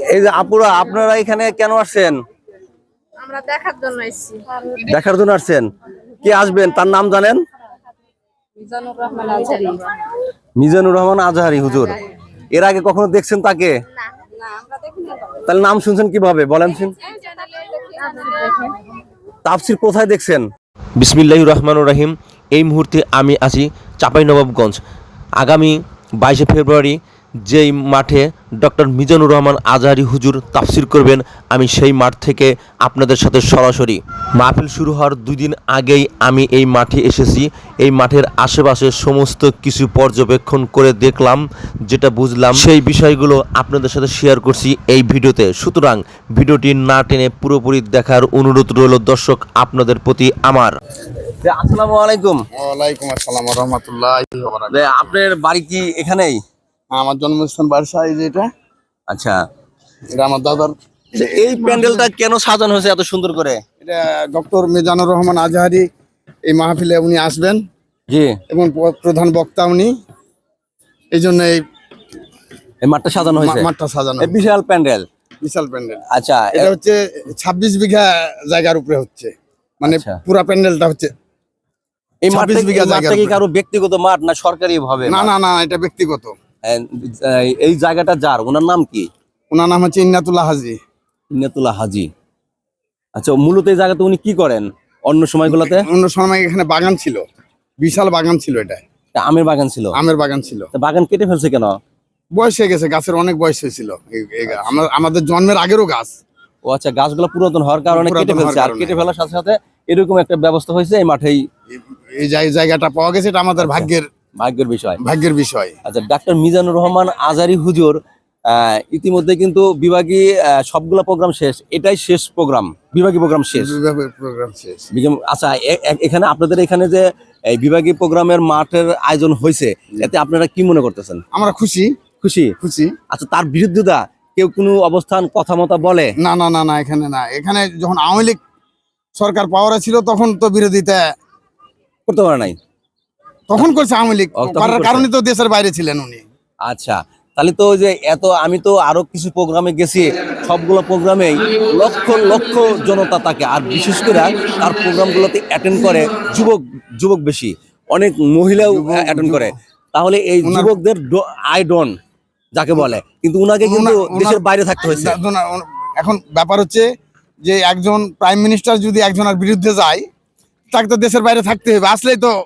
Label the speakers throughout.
Speaker 1: এই যে আপুরা, আপনারা এখানে কেন আসছেন?
Speaker 2: আমরা দেখার জন্য এসেছি।
Speaker 1: দেখার জন্য আসছেন? কে আসবেন তার নাম জানেন?
Speaker 2: মিজানুর রহমান আজহারি।
Speaker 1: মিজানুর রহমান আজহারি হুজুর। এর আগে কখনো দেখছেন তাকে?
Speaker 2: না না, আমরা দেখিনি।
Speaker 1: তাহলে নাম শুনছেন কিভাবে বলেন? তাফসীর কোথায় দেখছেন?
Speaker 3: বিসমিল্লাহির রহমানির রহিম। এই মুহূর্তে আমি আছি চাঁপাইনবাবগঞ্জ। আগামী 22শে ফেব্রুয়ারি যেই মাঠে ডক্টর মিজানুর রহমান আজহারি হুজুর তাফসির করবেন, আমি সেই মাঠ থেকে আপনাদের সাথে সরাসরি মাহফিল শুরু হওয়ার 2 দিন আগেই আমি এই মাঠে এসেছি। এই মাঠের আশেপাশে সমস্ত কিছু পর্যবেক্ষণ করে দেখলাম, যেটা বুঝলাম সেই বিষয়গুলো আপনাদের সাথে শেয়ার করছি এই ভিডিওতে। সুতরাং ভিডিওটি না টেনে পুরোপুরি দেখার অনুরোধ রইল দর্শক আপনাদের প্রতি আমার।
Speaker 1: আসসালামু আলাইকুম।
Speaker 4: ওয়ালাইকুম আসসালাম ওয়া রাহমাতুল্লাহি ওয়া বারাকাতুহু।
Speaker 1: আপনার বাড়ি কি এখানেই?
Speaker 4: আমার জন্মস্থান বারসা, এই যে এটা
Speaker 1: আচ্ছা,
Speaker 4: এটা আমার দাদার।
Speaker 1: এই প্যান্ডেলটা কেন সাজানো হয়েছে এত সুন্দর করে?
Speaker 4: এটা ডক্টর মিজানুর রহমান আজহারি এই মাহফিলে উনি আসবেন
Speaker 1: জি,
Speaker 4: এবং প্রধান বক্তা উনি, এই জন্য
Speaker 1: এই মাঠটা সাজানো হয়েছে।
Speaker 4: মাঠটা সাজানো
Speaker 1: এই বিশাল প্যান্ডেল।
Speaker 4: বিশাল প্যান্ডেল।
Speaker 1: আচ্ছা,
Speaker 4: এটা হচ্ছে 26 বিঘা জায়গার উপরে হচ্ছে, মানে
Speaker 1: আচ্ছা।
Speaker 4: পুরা প্যান্ডেলটা হচ্ছে
Speaker 1: এই
Speaker 4: 26 বিঘা
Speaker 1: মাঠটা
Speaker 4: জায়গার
Speaker 1: কি
Speaker 4: উপরে।
Speaker 1: কারো ব্যক্তিগত মাঠ না সরকারি ভাবে?
Speaker 4: না না না, এটা ব্যক্তিগত।
Speaker 1: এই জায়গাটা যার, ওনার নাম কি?
Speaker 4: ওনার নাম হচ্ছে ইন্নাতুল্লাহ হাজি।
Speaker 1: ইন্নাতুল্লাহ হাজি। আচ্ছা, মূলত এই জায়গাতে উনি কি করেন অন্য সময়গুলোতে?
Speaker 4: অন্য সময় এখানে বাগান ছিল, বিশাল বাগান ছিল, এটা
Speaker 1: আমের বাগান ছিল।
Speaker 4: আমের বাগান ছিল।
Speaker 1: তা বাগান কেটে ফেলছে কেন?
Speaker 4: বয়স হয়ে গেছে, গাছের অনেক বয়স হয়েছিল। আমাদের জন্মের আগেরও গাছ।
Speaker 1: ও আচ্ছা, গাছগুলো পুরাতন হওয়ার কারণে কেটে
Speaker 4: পুরাতন
Speaker 1: ফেলছে,
Speaker 4: হওয়ার
Speaker 1: আর
Speaker 4: কারণে।
Speaker 1: কেটে ফেলার সাথে সাথে এরকম একটা ব্যবস্থা হয়েছে এই মাঠেই।
Speaker 4: এই জায়গাটা পাওয়া গেছে, এটা আমাদের
Speaker 1: ভাগ্যের বিষয়।
Speaker 4: ভাগ্যের বিষয়।
Speaker 1: আচ্ছা, ডাক্তার মিজানুর রহমান আজহারি হুজুর ইতিমধ্যে কিন্তু বিভাগী সবগুলো প্রোগ্রাম শেষ, এটাই শেষ প্রোগ্রাম, বিভাগী প্রোগ্রাম শেষ।
Speaker 4: প্রোগ্রাম শেষ।
Speaker 1: আচ্ছা, এখানে আপনাদের এখানে যে এই বিভাগীয় প্রোগ্রামের মাঠের আয়োজন হয়েছে, এতে আপনারা কি মনে করতেছেন?
Speaker 4: আমরা খুশি
Speaker 1: খুশি?
Speaker 4: খুশি।
Speaker 1: আচ্ছা, তার বিরুদ্ধতা কেউ কোনো অবস্থান কথা মতো বলে?
Speaker 4: না না না না, এখানে না। এখানে যখন আওয়ামী লীগ সরকার পাওয়ারে ছিল তখন তো বিরোধিতা
Speaker 1: করতে পারে নাই?
Speaker 4: তখন করছে আওয়ামী লীগ,
Speaker 1: তখন
Speaker 4: করার
Speaker 1: করছে।
Speaker 4: কারণে তো দেশের বাইরে ছিলেন উনি।
Speaker 1: আচ্ছা, তাহলে তো ওই যে আমি তো আরো কিছু প্রোগ্রামে গেছি, সবগুলো প্রোগ্রামেই লক্ষ লক্ষ জনতা থাকে, আর বিশেষ করে তার প্রোগ্রামগুলোতে অ্যাটেন্ড করে যুবক বেশি, অনেক মহিলাও অ্যাটেন্ড করে। তাহলে এই যুবকদের আইডন যাকে বলে, কিন্তু উনাকে কিন্তু দেশের বাইরে থাকতে হয়েছে।
Speaker 4: এখন ব্যাপার হচ্ছে যে একজন প্রাইম মিনিস্টার যদি একজনের বিরুদ্ধে যায়, তাকে তো দেশের বাইরে থাকতে হবে, আসলেই তো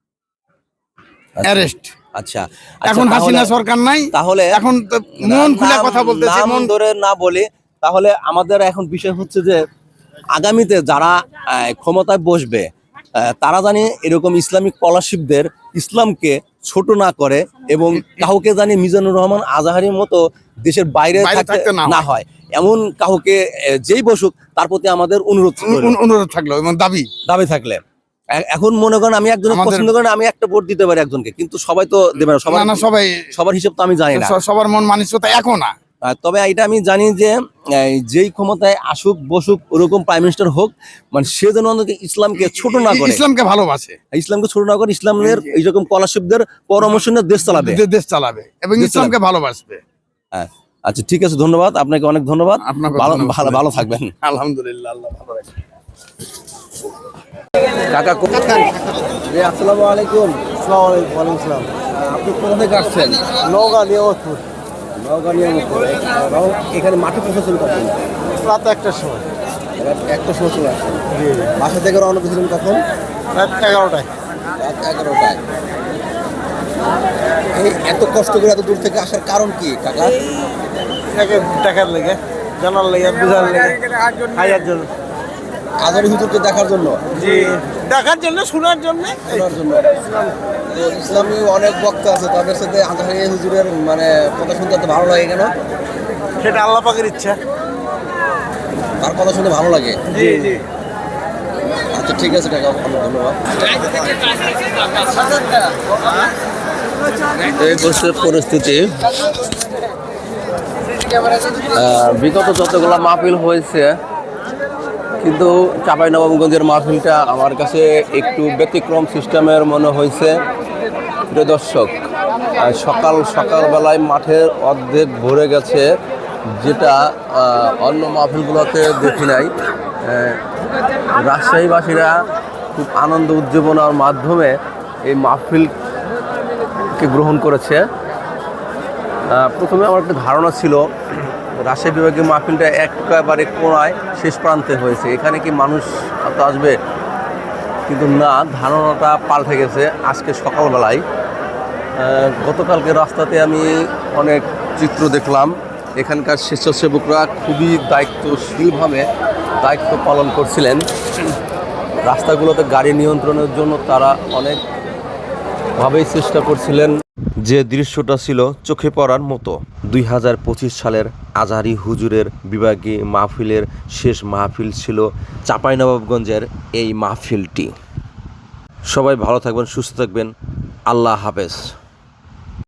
Speaker 4: অ্যারেস্ট।
Speaker 1: আচ্ছা,
Speaker 4: এখন হাসিনা সরকার নাই,
Speaker 1: তাহলে
Speaker 4: এখন তো মন খুলে কথা বলতেছে,
Speaker 1: নাম
Speaker 4: মন
Speaker 1: ধরে না বলি। তাহলে আমাদের এখন বিষয় হচ্ছে যে আগামীতে যারা ক্ষমতায় বসবে, তারা জানি এরকম ইসলামিক স্কলারশিপদের ইসলামকে ছোট না করে, এবং কাউকে জানি মিজানুর রহমান আজহারির মতো দেশের বাইরে থাকতে না হয়, এমন কাউকে যেই বসুক তার প্রতি আমাদের
Speaker 4: অনুরোধ থাকলো এবং দাবি
Speaker 1: থাকলে। এখন মনে করেন আমি একজনের পছন্দ করেন, আমি একটা ভোট দিতে পারি একজনকে, কিন্তু সবাই তো দেবে না। সবার হিসাব তো আমি জানি না,
Speaker 4: সবার মন মানসিকতা একও না।
Speaker 1: তবে এটা আমি জানি যে যেই ক্ষমতায় আসুক বসুক, ওরকম প্রাইম মিনিস্টার হোক, মানে সে যেন অন্তত ইসলামকে ছোট না করে,
Speaker 4: ইসলামকে ভালোবাসে,
Speaker 1: ইসলামকে ছোট না করে, ইসলামের এইরকম স্কলারশিপদের পরামর্শ নিয়ে দেশ চালাবে
Speaker 4: এবং ইসলামকে ভালোবাসবে।
Speaker 1: হ্যাঁ, আচ্ছা, ঠিক আছে, ধন্যবাদ আপনাকে, অনেক ধন্যবাদ। ভালো থাকবেন।
Speaker 4: আলহামদুলিল্লাহ, আল্লাহ ভালো রাখে।
Speaker 1: কাকা, আসসালামু আলাইকুম। আপনি কোথা থেকে আসছেন?
Speaker 5: নওগাঁ নিয়ামতপুর।
Speaker 1: এখানে মাঠে পৌঁছেছেন কখন?
Speaker 5: রাত 1টার সময়।
Speaker 1: একটা সময় চলে আসছেন। বাসা থেকে রওনা দিয়েছিলেন কখন?
Speaker 5: রাত 11টায়।
Speaker 1: রাত 11টায়। এই এত কষ্ট করে এত দূর থেকে আসার কারণ কি কাকা?
Speaker 5: টাকার লেগে, জানার লেগে, বুঝার লেগে, খাইয়ার জন্য।
Speaker 1: আজহারি হুজুরকে দেখার জন্য?
Speaker 5: জি, দেখার জন্য, শোনার জন্য।
Speaker 1: ইসলামী অনেক বক্তা আছে, তাদের সাথে আজহারি হুজুরের মানে কথা শুনতে এত ভালো লাগে কেন?
Speaker 5: সেটা আল্লাহ পাকের ইচ্ছা।
Speaker 1: তার কথা শুনতে ভালো লাগে?
Speaker 5: জি জি।
Speaker 1: আচ্ছা, ঠিক আছে কাকা, অনেক ধন্যবাদ। এই বছর পরিস্থিতি, বিগত যতগুলো মাহফিল হয়েছে, কিন্তু চাঁপাইনবাবগঞ্জের মাহফিলটা আমার কাছে একটু ব্যতিক্রম সিস্টেমের মনে হয়েছে। প্রিয় দর্শক, সকালবেলায় মাঠের অর্ধেক ভরে গেছে যেটা অন্য মাহফিলগুলোতে দেখি নাই। রাজশাহীবাসীরা খুব আনন্দ উদ্দীপনার মাধ্যমে এই মাহফিলকে গ্রহণ করেছে। প্রথমে আমার একটা ধারণা ছিল রাজশাহী বিভাগীয় মাহফিলটা একেবারে কোণায় শেষ প্রান্তে হয়েছে, এখানে কি মানুষ তো আসবে, কিন্তু না, ধারণাটা পাল্টে গেছে আজকে সকালবেলায়। গতকালকে রাস্তাতে আমি অনেক চিত্র দেখলাম, এখানকার স্বেচ্ছাসেবকরা খুবই দায়িত্বশীলভাবে দায়িত্ব পালন করছিলেন। রাস্তাগুলোতে গাড়ি নিয়ন্ত্রণের জন্য তারা অনেকভাবেই চেষ্টা করছিলেন।
Speaker 3: যে দৃশ্যটা ছিল চোখে পড়ার মতো। 2025 সালের আজহারি হুজুরের বিভাগী মাহফিলের শেষ মাহফিল ছিল চাঁপাইনবাবগঞ্জের এই মাহফিলটি। সবাই ভালো থাকবেন, সুস্থ থাকবেন। আল্লাহ হাফেজ।